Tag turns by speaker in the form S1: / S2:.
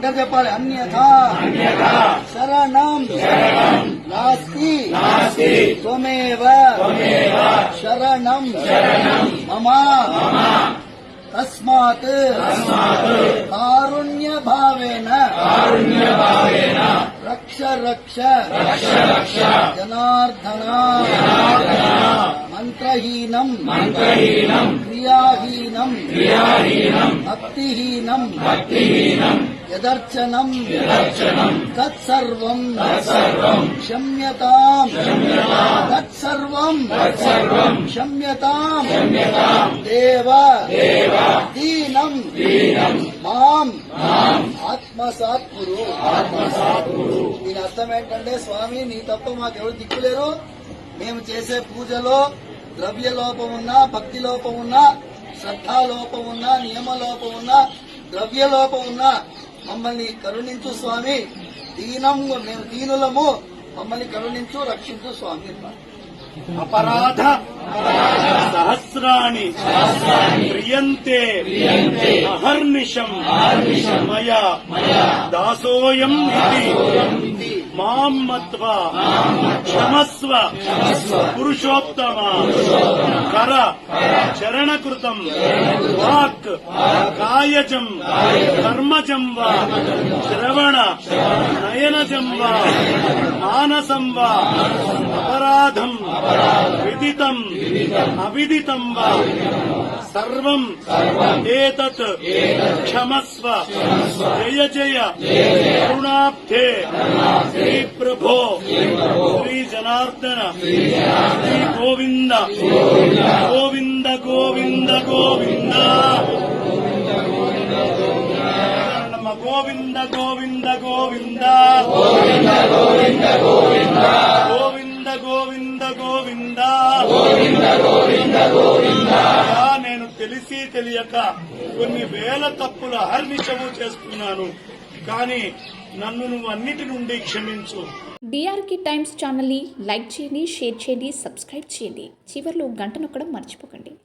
S1: అందరు చెప్పాలి. అన్యథా శరణం నాస్తి త్వమేవ శరణం మమ తస్మాత్ కారుణ్య భావేన రక్ష రక్ష జనార్దన మంత్రహీనం క్రియాహీనం భక్తిహీనం యదర్చనం తత్సర్వం క్షమ్యతాం తత్సర్వం క్షమ్యతాం దేవ దీనం మాం ఆత్మసాత్ కురు. దీని అర్థం ఏంటంటే, స్వామి నీ తప్ప మాకెవరు దిక్కులేరు. మేము చేసే పూజలో ద్రవ్య లోపం ఉన్నా, భక్తి లోపం ఉన్నా, శ్రద్ధాలోపం ఉన్నా, నియమలోపం ఉన్నా, ద్రవ్య లోపం ఉన్నా మమ్మల్ని కరుణించు స్వామి. మేము దీనులము, మమ్మల్ని కరుణించు, రక్షించు స్వామి.
S2: అపరాధ సహస్రాణి క్రియంతే అహర్నిశం మయా దాసోయం ఇది మాం మత్వా క్షమస్వ పురుషోత్తమ కర చరణకృతం వాక్ కాయజం కర్మజం వా శ్రవణ నయనజం వా మానసం వా అపరాధం విదితం అవిదితం వా సర్వం ఏతత్ క్షమస్వ జయ జయ కరుణాబ్ధే శ్రీ ప్రభో శ్రీ జనార్దన శ్రీ గోవింద గోవింద గోవింద గోవింద గోవింద గోవింద గోవింద గోవింద గోవింద గోవింద గోవింద గోవింద గోవింద గోవింద గోవింద. నేను తెలిసి తెలియక కొన్ని వేల తప్పులు అహర్నిశము చేసుకున్నాను, కానీ నన్ను నువ్వు అన్నిటి నుండి క్షమించు.
S3: డిఆర్కే టైమ్స్ ఛానల్ని లైక్ చేయండి, షేర్ చేయండి, సబ్స్క్రైబ్ చేయండి. చివర్లో గంట నొక్కడం మర్చిపోకండి.